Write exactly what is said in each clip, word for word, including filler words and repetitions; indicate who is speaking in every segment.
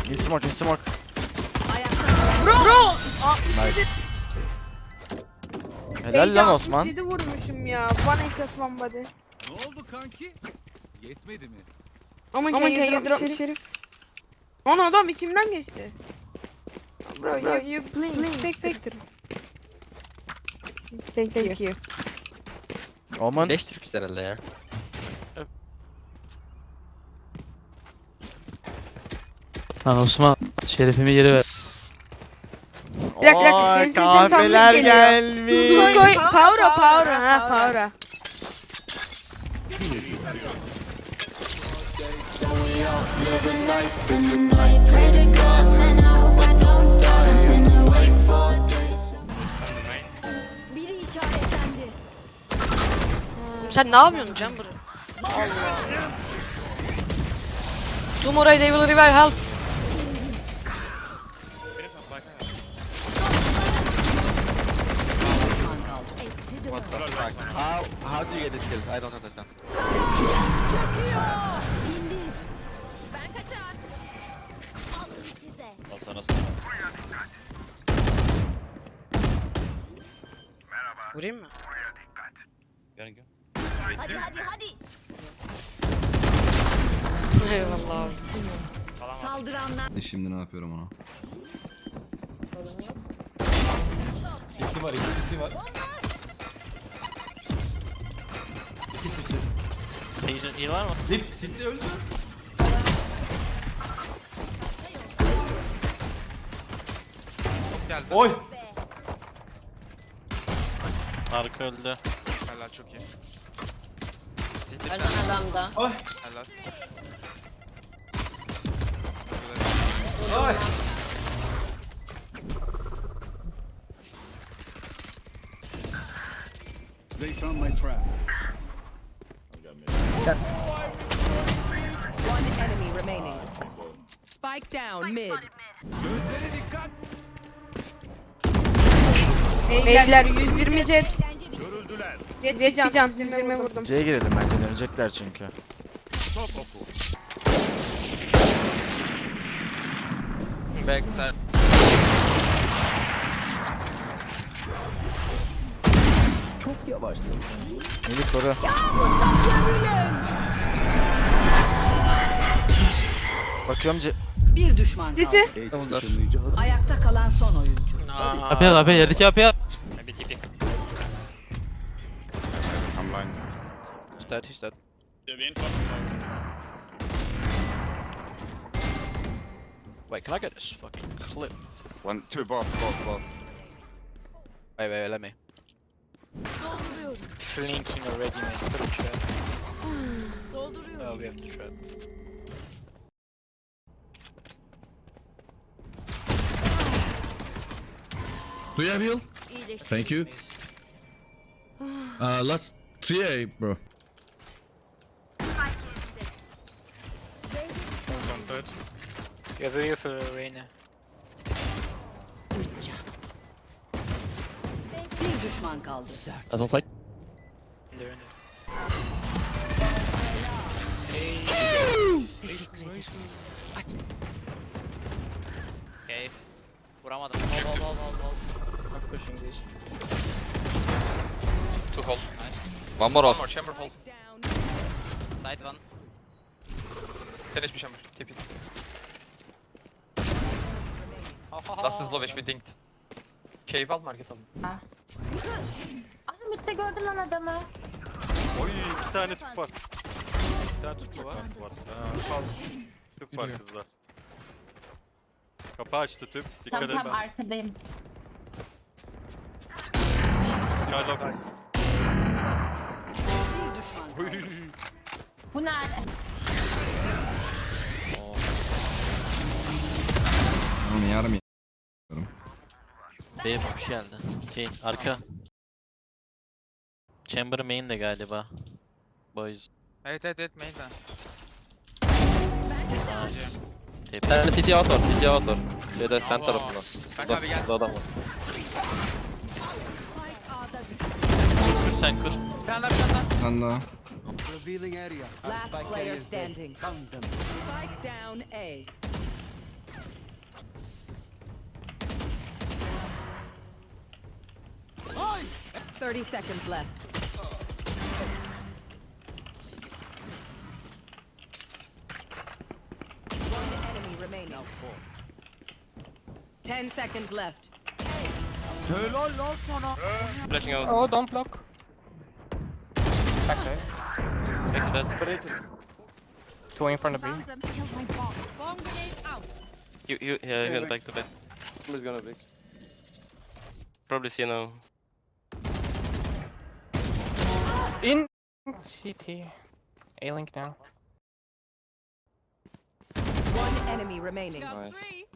Speaker 1: In smoke, in smoke.
Speaker 2: Bro! Bro!
Speaker 1: Nice. Helal lan Osman.
Speaker 2: yedi vurmuşum ya. One headshot one body.
Speaker 3: Ne oldu kanki? Yetmedi mi?
Speaker 2: Aman can you drop Şerif? Ana adam içimden geçti. Bro, you, you blink, Spectre. Thank you. Thank you.
Speaker 1: Oman.
Speaker 4: beş Türk herhalde ya.
Speaker 5: Lan Osman şerefimi geri ver.
Speaker 2: Bir dakika, bir dakika, senin sesin tam
Speaker 1: kahveler
Speaker 2: geliyor.
Speaker 1: gelmiş.
Speaker 2: Tuz koy. Power'a, power'a, ha power'a.
Speaker 6: Living life in the night, pray to God, man, I hope I don't die. I've been awake for days. Biri işaretlendi.
Speaker 7: Sen ne yapıyorsun Chamber? Allah. Tomorrow they will revive, help.
Speaker 8: What the fuck? How how do you get these kills? I don't understand.
Speaker 6: İndir. Ben kaçar. Alın size.
Speaker 9: Al sana sana.
Speaker 7: Vurayım mı?
Speaker 9: Gel gel.
Speaker 6: Hadi hadi hadi.
Speaker 7: Eyvallah abi.
Speaker 6: Saldıranlar.
Speaker 3: Şimdi ne yapıyorum ona?
Speaker 9: Sisi var, iki sisi var. İki sisi. Patient heal var mı? Dip, City öldü.
Speaker 8: Geldi.
Speaker 9: Oy! Arka öldü.
Speaker 8: Helal çok iyi.
Speaker 7: Ölen adam da.
Speaker 9: Oy!
Speaker 8: Helal.
Speaker 9: Oy!
Speaker 3: They found my trap.
Speaker 10: One enemy remaining. Spike down mid.
Speaker 3: Gözlere dikkat.
Speaker 2: Beyler yüz yirmi jet.
Speaker 3: Görüldüler.
Speaker 2: Jet can, can yüz yirmi vurdum.
Speaker 1: C'ye girelim bence, dönecekler çünkü.
Speaker 3: Top oku.
Speaker 8: Backside.
Speaker 10: Çok yavaşsın.
Speaker 1: Melih koru. Bakıyorum C...
Speaker 10: Bir düşman kaldı.
Speaker 2: Citi.
Speaker 3: Işınlayıcı hazır.
Speaker 10: Ayakta kalan son oyuncu.
Speaker 5: Kapıya al, kapıya yerdeki kapıya al.
Speaker 9: Bir tipi.
Speaker 8: I'm blind. He's dead, he's dead.
Speaker 4: Wait, can I get this fucking clip?
Speaker 8: One, two, both, both, both.
Speaker 4: Wait, wait, wait, let me.
Speaker 9: Flanking already mate. Put a trap. Oh, we have to trap.
Speaker 3: Do you have heal? Thank you. Uh, last three A, bro.
Speaker 9: On third. You have a heal for Reyna.
Speaker 10: Bir düşman kaldı.
Speaker 4: That's on site.
Speaker 9: In there, in there. Okay. Vuramadım. Hold, hold, hold, hold, hold. Not pushing this.
Speaker 8: Two hold. One more hold. One more chamber hold.
Speaker 9: Side one.
Speaker 8: Finish bir chamber. Tip it.
Speaker 9: Last
Speaker 8: Last is low H P dinked. Cave al market al.
Speaker 6: Ahmet'te gördün lan adamı.
Speaker 9: Oy, iki tane tüp var. İki tane tüp var. Var. Ha, tüp var kızlar. Kapı açtı tüp. Dikkat
Speaker 6: Tam
Speaker 9: edin.
Speaker 6: tam arkadayım.
Speaker 9: Skylock.
Speaker 10: Bir düşman kaldı.
Speaker 6: Bu nerede?
Speaker 3: Onu yarım.
Speaker 9: B hoş geldi. Şey, arka. Chamber main de galiba. Boys.
Speaker 8: Evet evet evet main'den.
Speaker 9: Nice.
Speaker 4: Ben
Speaker 9: Tepesi.
Speaker 4: City outdoor, City outdoor. Şeyde sen tarafından.
Speaker 8: Kanka abi gel.
Speaker 4: Burada adam var.
Speaker 9: Kur sen kur.
Speaker 8: Bir tane daha bir tane daha.
Speaker 3: Bir tane daha.
Speaker 10: Last player standing. Spike down A. thirty seconds left. One enemy remaining. Ten seconds left.
Speaker 4: Flashing out.
Speaker 2: Oh, don't block. Backside.
Speaker 4: Next to that.
Speaker 2: Two in front of me.
Speaker 4: You, you, yeah, he went back to bed.
Speaker 8: Somebody's gonna be.
Speaker 4: Probably see now.
Speaker 2: In C T. A-Link now.
Speaker 10: One enemy remaining.
Speaker 8: Nice.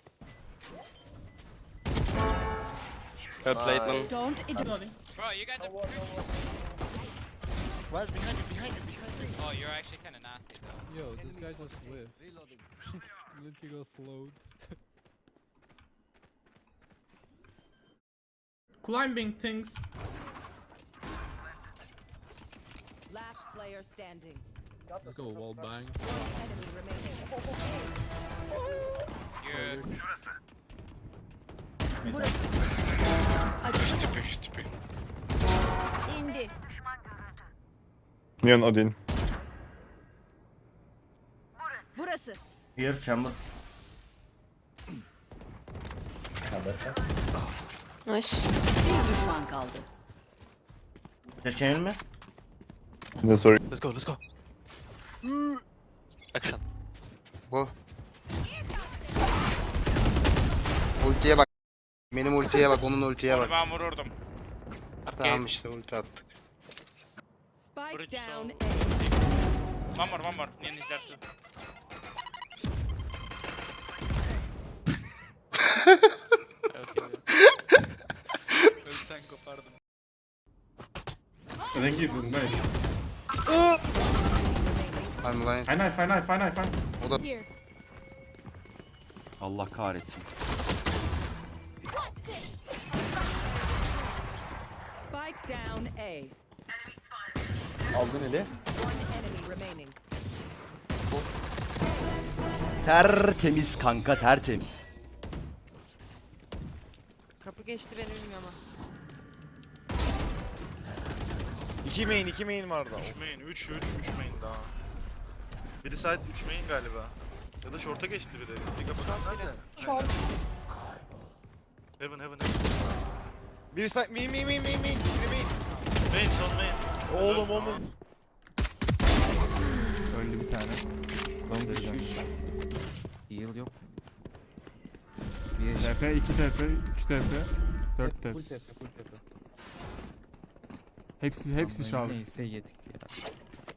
Speaker 4: Good plate, man.
Speaker 10: Don't
Speaker 4: Bro, you guys are.
Speaker 8: Where's behind you? Behind you? Behind you?
Speaker 4: Oh, you're actually kind of nasty though.
Speaker 3: Yo, this guy just whiffed. Literally slowed.
Speaker 11: Climbing things.
Speaker 10: Last player standing.
Speaker 3: Let's go wall bang.
Speaker 10: One enemy remaining. İndi.
Speaker 11: Neon Odin.
Speaker 10: Burası.
Speaker 11: Here chamber.
Speaker 2: Nice.
Speaker 10: Bir düşman kaldı.
Speaker 11: Geçelim mi? No sorry.
Speaker 4: Let's go, let's go. Action.
Speaker 8: Ultiye bak. Benim ultiye bak, onun ultiye bak.
Speaker 9: Ben vururdum.
Speaker 8: Tamam işte ulti attık.
Speaker 10: Spike
Speaker 9: Bridge
Speaker 10: down
Speaker 9: down.
Speaker 10: A.
Speaker 9: One more, one more. Neon is there too. Ölsen kopardım.
Speaker 11: I think you did nice.
Speaker 8: I'm lying.
Speaker 11: Fine knife, fine knife, fine knife, fine.
Speaker 8: O da
Speaker 5: Allah kahretsin.
Speaker 10: Spike down A.
Speaker 8: aldın eli.
Speaker 10: One enemy remaining.
Speaker 5: Tertemiz kanka, tertemiz.
Speaker 2: Kapı geçti beni bilmiyorum ama.
Speaker 8: iki main, iki main vardı.
Speaker 9: üç main, üç, üç, üç main daha. Biri side üç main galiba. Ya da short'a geçti biri. Diga bakalım nerede?
Speaker 2: Short.
Speaker 9: Heaven, heaven, heaven.
Speaker 8: Biri side, main, main, main, main, main. Biri main.
Speaker 9: Main, son main.
Speaker 8: Oğlum oğlum.
Speaker 11: Öldü bir tane.
Speaker 5: Heal yok.
Speaker 11: T P, iki T P, üç T P, dört T P.
Speaker 8: Full tepe, full tepe.
Speaker 11: Hepsi hepsi şu an.
Speaker 5: Neyse yedik ya.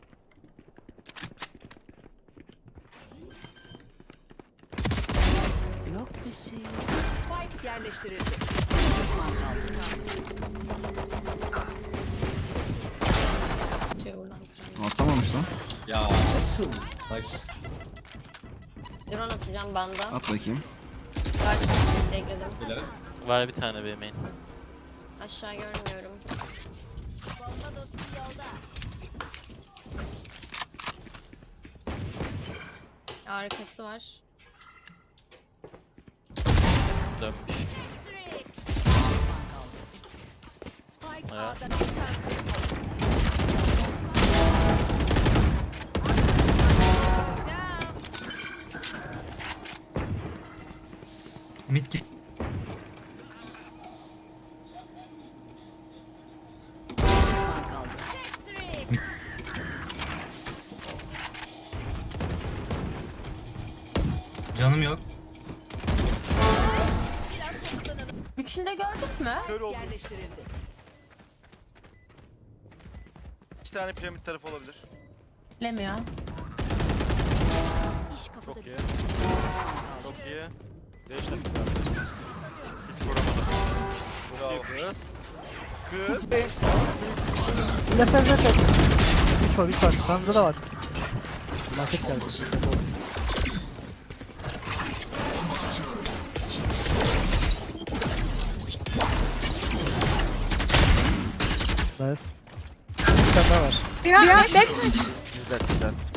Speaker 10: Yok bir şey. Spike yerleştirildi. Bir düşman kaldı.
Speaker 2: Şey oradan kıran.
Speaker 3: Atamamış lan.
Speaker 5: Ya
Speaker 3: Nice.
Speaker 2: Drone atacağım banda.
Speaker 3: At bakayım.
Speaker 2: Karşıma ekledim.
Speaker 4: Var bir tane B main.
Speaker 2: Aşağı görmüyorum. Arkası var.
Speaker 4: Dönmüş.
Speaker 10: Spike
Speaker 4: Ya.
Speaker 10: A'da
Speaker 5: mid ki.
Speaker 10: düşman kaldı.
Speaker 5: Canım yok.
Speaker 2: Üçünü de gördük mü?
Speaker 10: Yerleştirildi.
Speaker 9: İki tane piramit tarafı olabilir.
Speaker 2: Bilemiyor.
Speaker 9: Çok iyi. Çok iyi. Değiştim. Hiç vuramadım. Bravo kız. Kız.
Speaker 5: Left side left side. üç var üç var. Kanada da var. Market geldi. Nice. Bir tane daha var.
Speaker 2: Ya, back.
Speaker 1: Is that, is that.